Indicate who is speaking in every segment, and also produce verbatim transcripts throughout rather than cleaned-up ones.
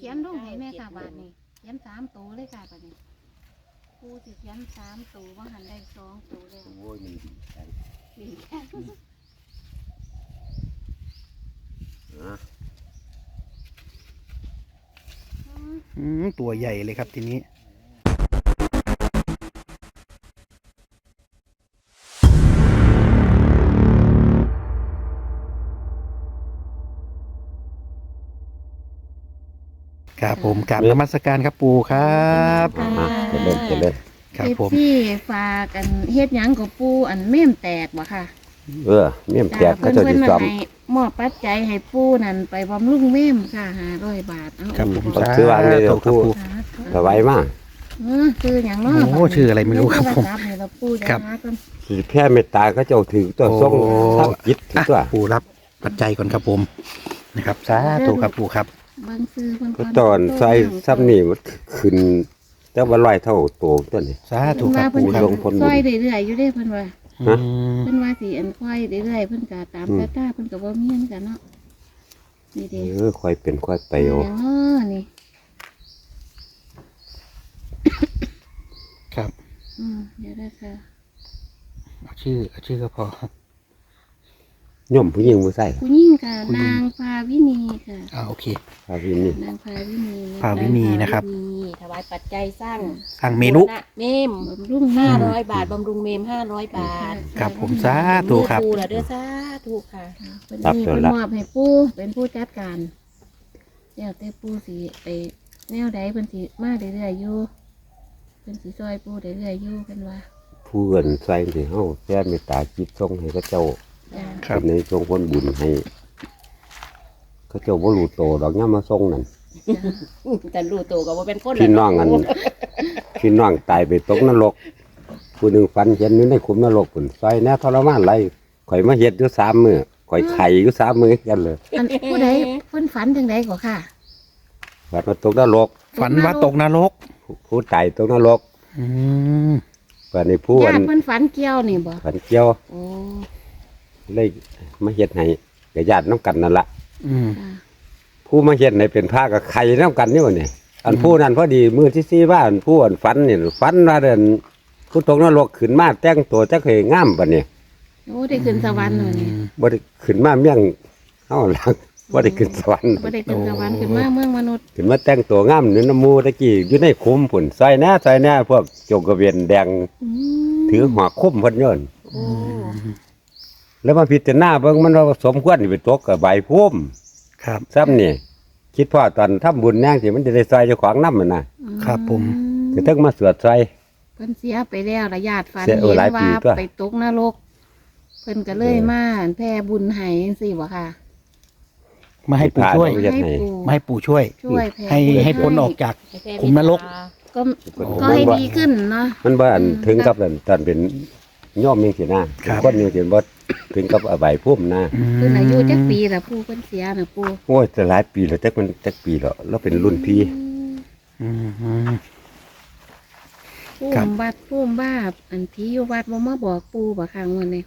Speaker 1: ขียนลงให้แม่ค่ะบาทนี้เขียนสามตัวเลยค่ะบาทนี้ปูสิเขียนสามตัวว่าหันได้สองตัวแล้ว
Speaker 2: โอ้ยมีใจ
Speaker 1: สี่
Speaker 2: นะ
Speaker 3: อืมตัวใหญ่เลยครับทีนี้ครับผมกราบนมัสการครับปู่ครับ
Speaker 2: มาจะเล่นจะเล่น
Speaker 3: ครับผม
Speaker 1: ที่ฝากกันเฮ็ดหยังกับปูอันเม่มแตกบ่ค่ะ
Speaker 2: เออเมี่ยมแตกก็
Speaker 1: เพิ่น
Speaker 2: จะ
Speaker 1: เพิ่น
Speaker 2: ดี
Speaker 1: มา
Speaker 2: ซ้อม
Speaker 1: ให้มอบปัจจัยให้ปูนั่นไปบำรุงเม่มค่ะห้าร้อยบาทเอา
Speaker 3: ครับผม
Speaker 2: ผมซื้อวางเลยเดี๋ยว
Speaker 3: ครับ
Speaker 2: ปู่
Speaker 3: ปู่
Speaker 1: สาธุ
Speaker 2: สบายมาก
Speaker 1: เออชื่อหยังเนาะ
Speaker 3: โอ้ชื่ออะไรไม่รู้ครับผม
Speaker 1: เดี๋ยวโทศัพท์ให้เราปูจะ
Speaker 3: ครับ
Speaker 1: หากัน
Speaker 2: สิแพ้เมตตาก็เจ้าถือตัวทรง
Speaker 3: โอ้
Speaker 2: ทำจิตถือ
Speaker 3: อ่ะ
Speaker 2: ตัว
Speaker 3: ปู่รับปัจจัยก่อนครับผมนะครับสาธุครับปู่ครับ
Speaker 1: เบิ่งซื้อเพิ่น
Speaker 2: ก็ตอนใส่ซ้ำนี่มันขึ้นแต่ว่าลอยเท่าโตตัวนี้
Speaker 3: สาธุครับ
Speaker 1: เพิ่น
Speaker 3: ปู่
Speaker 1: ว่า
Speaker 3: ครับ
Speaker 1: เพิ่นซอยเรื่อยๆอยู่เด้เพิ่นว่า
Speaker 3: อืม
Speaker 1: เพิ่นว่าสิอันค่อยเรื่อยๆเพิ่นก็ตามตาตาเพิ่นก็บ่มีเหมือนกันเนาะนี่เด้
Speaker 2: เออค่อยเป็นค่อยไป
Speaker 1: อ
Speaker 2: เอา
Speaker 1: ย่างเนาะนี่
Speaker 3: ครับ
Speaker 1: อืมเดี๋ยวได้ค่ะ
Speaker 3: เอาชื่อเอาชื่อก็พอย่
Speaker 2: อมผู้หญิงผู้ใส่
Speaker 1: ผู้หญิงค่ะ
Speaker 3: ผู้หญิง
Speaker 1: นางพาวินีค่ะ
Speaker 3: อ่าโอเค
Speaker 2: พาพี่นี่
Speaker 1: นางพาวินีนะ
Speaker 3: พาวินีนะครับ
Speaker 4: มีถวายปัจจัยสร้าง
Speaker 3: สั่งเมนู
Speaker 4: บูรณะเมม
Speaker 1: บำรุง
Speaker 4: ห้า
Speaker 1: ห้า
Speaker 4: ร้อยบาทบำรุงเมมห้าร้อยบาท
Speaker 3: ครับผมสาธุครับ
Speaker 4: มือปูละเด้อสาธุค่ะ
Speaker 1: เพิ่นนี่เพิ่นมอบให้ปู่เป็นผู้จัดการแล้วแต่ปู่สิไปแนวใดเพิ่นสิมาเรื่อยๆอยู่เพิ่นสิซอยปู่เรื่อยๆอยู่เพิ่นว่า
Speaker 2: ผู้เอินใส่สิเฮาแพ้เมตตาจิตทรงให้ก็เจ้า
Speaker 1: จ้า
Speaker 3: ครับ
Speaker 2: เป็นในทรงผลบุญให้เขาเจ้าบ่รู้โตดอกย่ามมาทรงนั่น
Speaker 4: แต่รู้ตัวก็ว่าเป็นคน
Speaker 2: พี่น้องอันพี่น้องตายไปตกนรกผู้หนึ่งฟันเห็นอยู่ในขุมนรกผุนซอยแน่ทรมานไรข่อยมาเฮ็ดอยู่สามมือข่อยไข่อยู่สามมือกันเลย
Speaker 1: อันผู้ใดเพิ่นฝันจังไดก็ค่ะ
Speaker 2: ฝันมาตกนรก
Speaker 3: ฝันว่าตกนรก
Speaker 2: ผู้ตายตกนรก
Speaker 3: อืม
Speaker 2: ฝันในผู้อั
Speaker 1: ญาน ติเพิ่นฝันเกี่ยวนี่บ่
Speaker 2: ฝันเกี่ยว
Speaker 1: โอ้
Speaker 2: เลยมาเฮ็ดให้กับญาติน้ำกันนั่นละ
Speaker 3: อืม
Speaker 1: จ้า
Speaker 2: ผู้มาเฮ็ดให้เป็นผ้ากับไข่น้ำกันนี่วะเนี่ยอันผู้นั้นพอดีมือที่สี่ว่าอันผู้อันฝันนี่ฝันว่าเดินผู้ตกนรกขึ้นมาแต่งตัวจักเคยงามปะเนี่ย
Speaker 1: โอ้ได้ขึ้นสวรรค์เลยนี่
Speaker 2: บ่ได้ขึ้นมาเมี่ยงเฮาหลังบ่ได้ขึ้นสวรรค์
Speaker 1: บ่ได้ขึ้นสวรรค์ขึ้นมาเมืองมนุษย์
Speaker 2: ขึ้นมาแต่งตัวงามนี่น้ำมูตะกี้อยู่ในคุ้มผุ่นซอยหน้าซอยหน้าพวกโจกกระเวียนแดง
Speaker 1: อืม
Speaker 2: ถือหัวคุ้มเพิ่นโยน
Speaker 1: โอ้
Speaker 2: แล้วมาพิจารณาเบิ่งมันว่าสมควรสิไปตกกับใบพุ่ม
Speaker 3: ครับ
Speaker 2: ซ้ำนี่คิดพ่อตอนทำบุญแน่งสิมันจะได้ซอยเจ้าของนำมันน่ะ
Speaker 3: ครับผม
Speaker 2: สิถึงมาสวดซอย
Speaker 1: เพิ่นเสียไปแล้วระญาติฝัน
Speaker 2: เสียเอ
Speaker 1: เห็
Speaker 2: อน หลายปี
Speaker 1: ว่า
Speaker 2: ตัว
Speaker 1: ไปตกนรก เพิ่นก็เลยมาแผ่บุญให้จังซี่บ่ค่ะ
Speaker 3: มาให้ปู่ช่วย
Speaker 2: เฮ็ดให้
Speaker 1: ปู่
Speaker 3: มาให้ปู่ช่วย
Speaker 1: ช่วยแผ่
Speaker 3: ให้
Speaker 1: บุญ
Speaker 3: ให้พ้นออกจาก ขุมนรก
Speaker 1: ก็
Speaker 2: โอ้
Speaker 1: ก็ให้ดีขึ้นเนาะ
Speaker 2: มันบ่อัน
Speaker 1: อืม
Speaker 2: ถึงกับอันตอนเป็นย่อมจังซี่นะครับ คนจังซี่บ่ถึงกับเอาใบพุ่มนะ
Speaker 3: อืม
Speaker 1: เพิ่นอายุจักปีล่ะปู่เพิ่นเสียน่ะปู่
Speaker 2: โอ้ยจะหลายปีแล้วจักมันจักปีแล้วเราเป็นรุ่นพี่
Speaker 3: อืมอืม
Speaker 1: ปู่
Speaker 3: ครับ
Speaker 1: วัดปู่บ้าอันที่อยู่วัดบ่มาบอกปู่บ่ค่ะงวดนี้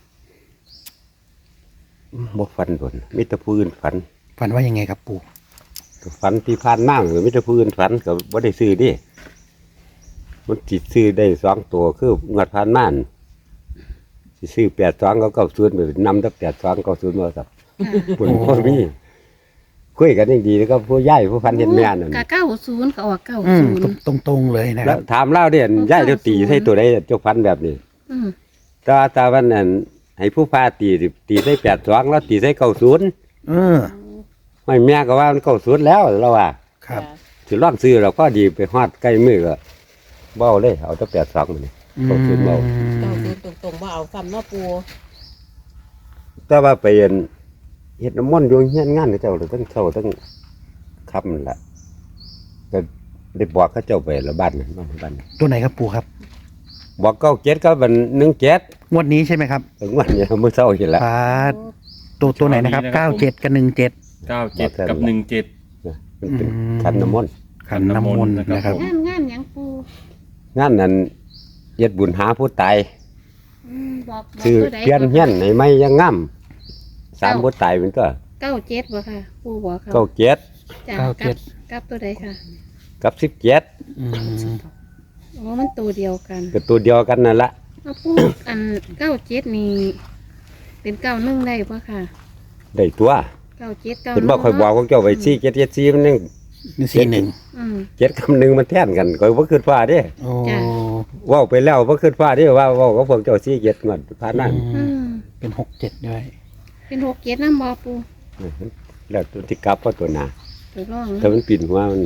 Speaker 2: บ่ฝันโดนมีแต่ผู้อื่นฝัน
Speaker 3: ฝันว่ายังไงครับปู่
Speaker 2: ฝันที่ผ่านมาหรือมิตรผู้อื่นฝันก็บ่ได้ซื้อดิมันสิซื้อได้สองตัวคืองวดผ่านมาน่ะสิซื้อแปดสองก็เก้าศูนย์ไปนำตั้งแปดสองเก้าศูนย์มาสับ
Speaker 1: ค่ะ
Speaker 2: ปุ่นพ่อมีคุยกันยังดีแล้วก็ผู้ย่ายผู้ฟันเห็นแม่นั่น
Speaker 1: ก็เก้าศูนย์ก็ออกเก้า
Speaker 3: อืม
Speaker 1: ศูนย์
Speaker 3: ตรงตรงๆเลยนะค
Speaker 2: แล้
Speaker 3: รั
Speaker 2: ว
Speaker 3: บ
Speaker 2: ถามเล่าเด่นย่ายเจ้าตีให้ตัวใดเจ้าฟันแบบนี้
Speaker 1: อืม
Speaker 2: แตว่าตาวันนั้นให้ผู้พาตีสิตีใส่แปดสองแล้วตีใส่เก้าศูนย์
Speaker 3: เออ
Speaker 2: ไม่แม่ก็ว่ามันเก้าศูนย์แล้วเราว่า
Speaker 3: ครับ
Speaker 2: สิร่องซื้อเราก็ดีไปฮอดใกล้มือก็เบ้าเลยเอาตั้งแปดสองนี่ เก้าศูนย์เบา
Speaker 4: เก้าศูนย์ตรงๆว่าเอาซ้ำเนาะปู
Speaker 2: แต่ว่าไปเห็นเห็ดน้ำมันต์อยู่เฮียนงานเขาเจ้าเลยตั้งเท่าตั้งคำนั่นแหละก็ได้บอกเขาเจ้าไปละบ้านนั่นบ้านบ้าน
Speaker 3: ตัวไหนครับปู่ครับ
Speaker 2: บอกเก้าเจ็ดก็เป็นหนึ่งเจ็ด
Speaker 3: งวดนี้ใช่ไหมครับ
Speaker 2: ถึงวันเนี้มื้อเช้าเห็นแล้ว
Speaker 3: พาตัวตัวไหนนะครับเก้าเจ็ดกับหนึ่งเจ็ด
Speaker 5: เก้าเจ็ดกับหนึ่งเจ็ด
Speaker 2: มันเป็น
Speaker 3: อืม
Speaker 2: ขันน้ำมนต์
Speaker 3: ขันน้ำมนต์นะครับ
Speaker 1: งานงานหยังปู่
Speaker 2: งานนั้นเย็ดบุญหาผู้ตาย
Speaker 1: อืมบอกบอก
Speaker 2: คือ
Speaker 1: ตัวใด
Speaker 2: เปลี่ยนเฮียนในไม่ยังง่ำสามผู้ตายเป็นตัว
Speaker 1: เก้าเจ็ดบ่ค่ะปู่บอกเขา
Speaker 2: เก้าเจ็ด
Speaker 1: จ้ะ
Speaker 3: เก้าเจ็ด
Speaker 1: กกับตัวใดค่ะ
Speaker 2: กับสิบเจ็ด
Speaker 3: อืม
Speaker 1: อ๋อมันตัวเดียวกัน
Speaker 2: ก็ตัวเดียวกันนั่นละ
Speaker 1: เอาปูอันเก้าเจ็ดนี่เป็นเก้าหนึ่งได้ปะค่ะ
Speaker 2: ได้ตัว
Speaker 1: เก้าเจ็ดเก้า
Speaker 2: เป็นบ่คอยบอกของเจ้าไว้สี่เจ็ดเจ็ดสี่มันยัง
Speaker 3: นี่สี่หนึ่ง
Speaker 1: อืม
Speaker 2: เจ็ดคำหนึ่งมันแท่นกันคอยบ่ขึ้นฟ้าเด้
Speaker 3: โอ้
Speaker 1: จ้ะ
Speaker 2: เว้าไปแล้วบ่ขึ้นฟ้าเด้ว่าเว้ากับพวกเจ้าสี่เจ็ดงวดผ่านนั้น
Speaker 1: อืม
Speaker 3: เป็นหกเจ็ดด้วย
Speaker 1: เป็นหกเจ็ดน้ำบอปู
Speaker 2: แล้วตัวที่กลับเพราะตัวหนา
Speaker 1: ตัวร่อง
Speaker 2: ถ้ามันปิ่นหัวมัน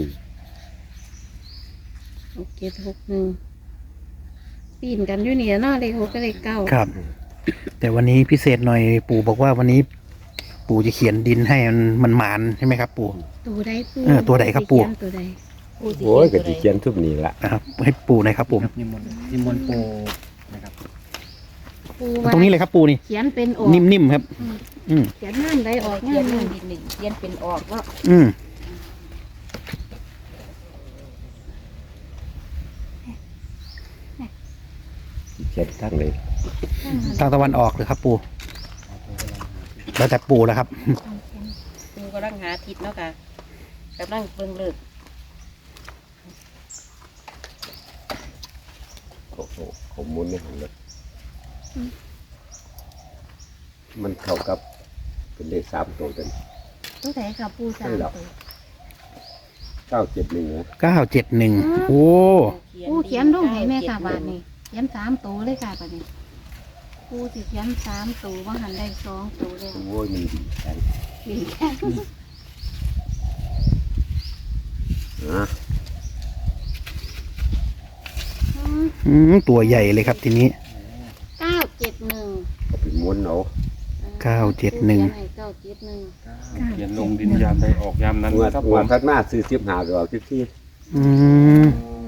Speaker 1: หกเจ็ดหกหนึ่งปีนกันอยู่นี่เนาะเลขหกกับเลขเก้า
Speaker 3: ครับ แต่วันนี้พิเศษหน่อยปู่บอกว่าวันนี้ ปู่จะเขียนดินให้มันมันหมานใช่ไหมครับ ปู่
Speaker 1: ตัวใดปู
Speaker 3: เออตัวใดครับปู่
Speaker 1: เขียนตัวใด
Speaker 4: ปูสิ
Speaker 2: โอ้ยก็
Speaker 4: เขี
Speaker 2: สิ
Speaker 4: น
Speaker 2: เขียนทุบนี่ละ
Speaker 3: นะครับ ให้ปู่หน่อยครับผม
Speaker 5: นิมนต์นิมนต์โปนะครับ
Speaker 1: ปู
Speaker 3: ตรงนี้เลยครับปู่นี่
Speaker 1: เขียนเป็นออก
Speaker 3: นิ่มๆครับ อืม
Speaker 1: เขียนงานใดออก
Speaker 4: เขี
Speaker 1: งาย น
Speaker 4: นห
Speaker 1: ห
Speaker 4: นึ่
Speaker 1: นึ่
Speaker 4: ง
Speaker 1: ง
Speaker 4: ดินหนึ่งเขียนเป็นออกว่า
Speaker 3: อืม
Speaker 2: เขียนทั้งเลย
Speaker 3: ทางตะวันออกเลยครับ ปู่แล้วแต่ปู่แล้วครับ
Speaker 4: ปูกำลังหาทิศเนาะค่ะกำลังเบิ่งเลิก
Speaker 2: โอ้โหข้อมูลนี่หันเลยมันเข้ากับเป็นเลขสามตัวกัน
Speaker 1: ตัวใดค่ะปูสาม
Speaker 2: ใช่หรอ
Speaker 1: ตัว
Speaker 2: เก้าเจ็ดหนึ่งนะ
Speaker 3: เก้าเจ็ดหนึ่งโอ้
Speaker 1: ปูเขียนลงให้แม่ค่ะบาทนี่เขียนสามตัวเลยค่ะบาทนี้ปูสิเขียนสามตัวว่าหันได้สองตัวเลย
Speaker 2: โอ้ยมันดีใจ
Speaker 1: ดีแค่
Speaker 2: นะ
Speaker 3: อืมตัวใหญ่เลยครับทีนี้
Speaker 1: เก้าเจ็ดหนึ่ง
Speaker 2: เอาไปม้วนเอา
Speaker 3: เก้าเจ็ดหนึ่ง
Speaker 1: เก้าเจ็ดหนึ่ง
Speaker 5: เขียนลงดินยามใดออกยามนั้น
Speaker 2: งวด
Speaker 5: นะครับ
Speaker 2: ง
Speaker 5: ผ
Speaker 2: วด
Speaker 5: ม
Speaker 2: ข้างหน้าซื้อสิบหาก็เอาที่ที่
Speaker 3: อืม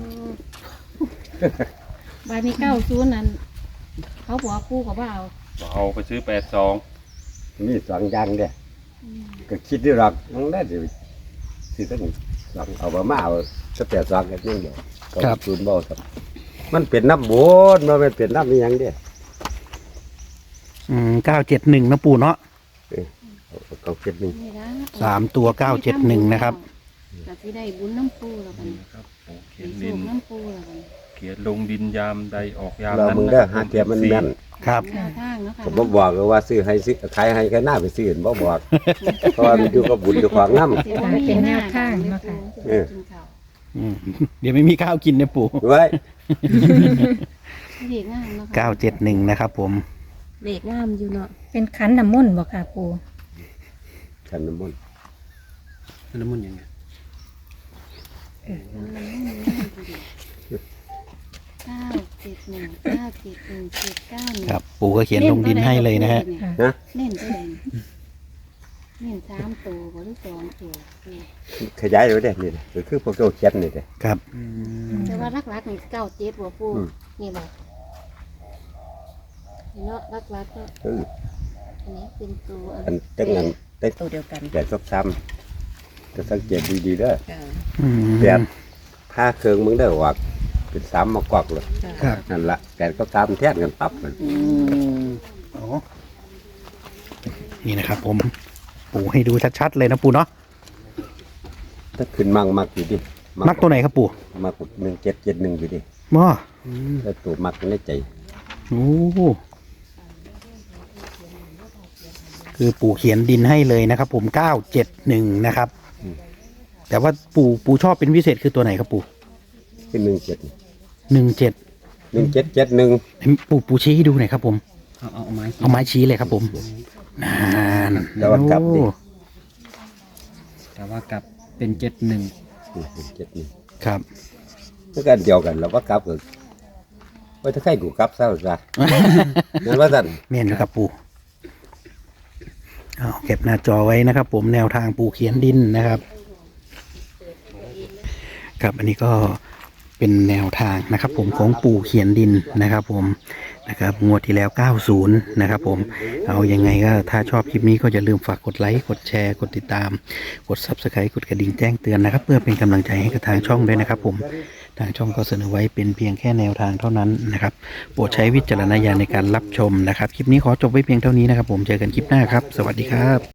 Speaker 1: บาทนี้เก้าศูนย์นั้นเขาบอกปูกับว่าเอา
Speaker 5: เอาไปซื้อแปดสอง
Speaker 2: มีสองอย่างเด้ก็คิดด้วยหรอกน้องได้สิสิตั้งสองเอามามาเอาสเปียสองกันยังเดียวก็ศูนย์บ่ครับมันเป็นน้ำโบนมันไม่เป็นน้ำอีหยังเด้
Speaker 3: อืมเก้าเจ็ดหนึ่งนะปู่เนาะ
Speaker 2: เอาเขาเก็บหนึ่ง
Speaker 1: นี่นะ
Speaker 3: สามตัวเก้าเจ็ดหนึ่งนะครับ
Speaker 1: ก็สิได้บุญน้ำปูแล้วกัน
Speaker 5: ครับผมเขี
Speaker 1: มี
Speaker 5: ยน
Speaker 1: โช
Speaker 5: ดิน
Speaker 1: คน้ำปูแล้วกัน
Speaker 5: เขียนลงดินยามใดออกยาม
Speaker 2: เรา
Speaker 5: นั้น
Speaker 2: มึง
Speaker 5: นะ
Speaker 2: ได้
Speaker 5: ค
Speaker 2: หา
Speaker 5: รับ
Speaker 2: เทียมมันแม่น
Speaker 3: ครับ
Speaker 1: แนวทางเนาะค่ะ
Speaker 2: ผมบ่บอกเลยว่าซื้อให้ซื้อขายให้แค่หน้าไปซื้อบ่บอกเพราะว่ามันอยู่กับบุญอยู่ของน้ำ
Speaker 1: สิบ่มีแนวทางเนาะค่ะ
Speaker 2: เออ
Speaker 1: กินข้าว
Speaker 3: อืมเดี๋ยวไม่มีข้าวกินนะปู่
Speaker 2: ไว้
Speaker 1: เด็กงามเนาะค่ะ
Speaker 3: เก้าเจ็ดหนึ่งนะครับผม
Speaker 4: เลขงามอยู่เนาะ
Speaker 6: เป็นขันน้ำมนต์บ่ค่ะปู
Speaker 2: ขันน้ำมนต์
Speaker 3: น้ำมันยังไง
Speaker 1: เก้าเจ็ดหนึ่งเก้าเจ็ดหนึ่งเจ็ดเก้าหนึ่ง
Speaker 3: ครับ ปู่ก็เขียนลงดินให้เลยนะฮะ
Speaker 2: นะ
Speaker 1: เน้นตัวใดเน้นสามตัวหรือสองตัว
Speaker 2: ขยายไว้ได้นี่ก็คือพวกเจ้าเขียนนี่เด้
Speaker 3: ครับ
Speaker 1: แต่ว่ารักๆนี่เก้าเจ็ดหัวปู
Speaker 2: อืม
Speaker 1: นี่บอกเนาะรักๆก็
Speaker 2: เออ
Speaker 1: อันนี้เป็นตัว
Speaker 2: อันตั้งนั้นได้
Speaker 4: ตัวเดียวกัน
Speaker 2: แต่ซบซ้ำจะสังเกตดีๆเด้อ
Speaker 4: ค่ะ
Speaker 3: อืม
Speaker 2: แปดผ้าเครื่องมึงได้ออกเป็นสามมากวักเลย
Speaker 3: ครับ
Speaker 2: นั่นละแปดก็ตามแท่นกันปั๊บมัน
Speaker 3: อ๋อนี่นะครับ ผม ปู่ให้ดูชัดๆเลยนะปู่เนาะ
Speaker 2: ถ้าขึ้นมั่งมักอยู่ดิ
Speaker 3: มักตัวไหนครับปู่
Speaker 2: มักหนึ่งเจ็ดเจ็ดหนึ่งอยู่ดิ
Speaker 3: ม้อ
Speaker 2: แล้วตัวมักในใจ
Speaker 3: โอ้คือปู่เขียนดินให้เลยนะครับ ผมเก้าเจ็ดหนึ่งนะครับ แต่ว่าปู่ปู่ชอบเป็นพิเศษคือตัวไหนครับปู่
Speaker 2: ขึ้นหนึ่งเจ็ด
Speaker 3: หนึ่งเจ็ด
Speaker 2: หนึ่งเจ็ดเจ็ดหนึ่ง
Speaker 3: ปู่ปู่ชี้ให้ดูหน่อยครับผม
Speaker 7: เอาเอาเอาไม้
Speaker 3: เอาไม้ชี้เลยครับผมนาน
Speaker 2: แล้วว่ากลับดิ
Speaker 3: โอ้
Speaker 7: แต่ว่ากลับเป็นเจ็ดหนึ่ง
Speaker 2: เจ็ดหนึ่ง
Speaker 3: ครับ
Speaker 2: แล้วกันเดียวกันแล้วว่ากลับก็ว่าถ้าใครกูกลับเศร้าซะนั่นว่าสั่น
Speaker 3: เมนครับปู่เอาเก็บหน้าจอไว้นะครับ ผมแนวทางปู่เขียนดินนะครับ ครับอันนี้ก็เป็นแนวทางนะครับ ผมของปู่เขียนดินนะครับ ผมนะครับงวดที่แล้วเก้าสิบนะครับผมเอายังไงก็ถ้าชอบคลิปนี้ก็อย่าลืมฝากกดไลค์กดแชร์กดติดตาม กด ซับสไครบ์ กดกระดิ่งแจ้งเตือนนะครับ เพื่อเป็นกำลังใจให้กับทางช่องด้วยนะครับ ผมทางช่องก็เสนอไว้เป็นเพียงแค่แนวทางเท่านั้นนะครับโปรดใช้วิจารณญาณในการรับชมนะครับคลิปนี้ขอจบไว้เพียงเท่านี้นะครับ ผมเจอกันคลิปหน้าครับ สวัสดีครับ